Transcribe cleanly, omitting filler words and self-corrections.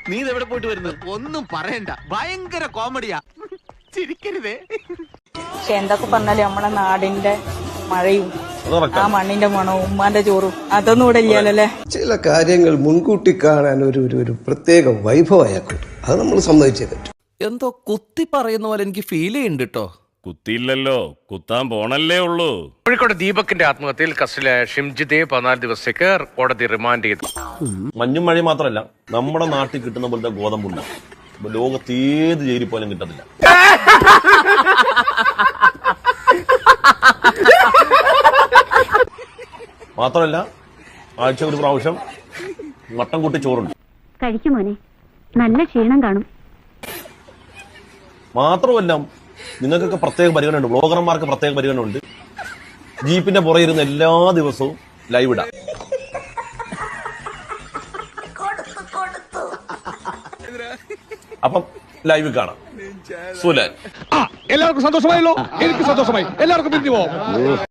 നീ ഇതെവിടെ പോയിട്ട് വരുന്നത്? ഒന്നും പറയണ്ട, ഭയങ്കര കോമഡിയാ, ചിരിക്കരുതേ. പക്ഷെ എന്തൊക്കെ പറഞ്ഞാലും നമ്മളെ നാടിന്റെ മഴയും ആ മണ്ണിന്റെ മണവും ഉമ്മാന്റെ ചോറും അതൊന്നും ഇവിടെ ഇല്ലല്ലേ. ചില കാര്യങ്ങൾ മുൻകൂട്ടി കാണാൻ ഒരു പ്രത്യേക വൈഭവമാക്കും. അത് നമ്മൾ സമ്മതിച്ചേ പറ്റും. എന്തോ കുത്തി പറയുന്ന പോലെ എനിക്ക് ഫീൽ ചെയ്യുന്നുണ്ട് കേട്ടോ. കുത്തിയില്ലല്ലോ, കുത്താൻ പോണല്ലേ ഉള്ളൂ. കോഴിക്കോട് ദീപകിന്റെ ആത്മഹത്യയിൽ കസ്റ്റഡിയിലായ ഷിംജിത്തെ 14 ദിവസത്തേക്ക് കോടതി റിമാൻഡ് ചെയ്തു. മഞ്ഞും മഴയും മാത്രമല്ല, നമ്മുടെ നാട്ടിൽ കിട്ടുന്ന പോലത്തെ ഗോതമ്പുണ്ട ലോകത്ത് ഏത് ജയിലിൽ പോലും കിട്ടത്തില്ല. മാത്രമല്ല, ആഴ്ച ഒരു പ്രാവശ്യം മട്ടൻ കൂട്ടി ചോറുണ്ട്. കഴിക്കുമോനെ, നല്ല ക്ഷീണം കാണും. മാത്രമല്ല, നിങ്ങൾക്കൊക്കെ പ്രത്യേക പരിഗണന ഉണ്ട്, ബ്ലോഗർമാർക്ക് പ്രത്യേക പരിഗണന ഉണ്ട്. ജീപ്പിന്റെ പുറകെ ഇരുന്ന് എല്ലാ ദിവസവും ലൈവ് ഇടാം. അപ്പം ലൈവ് കാണാം. സുലാൻ, എല്ലാവർക്കും സന്തോഷമായല്ലോ. എനിക്ക് സന്തോഷമായി. എല്ലാവർക്കും പിരിഞ്ഞു പോവാം.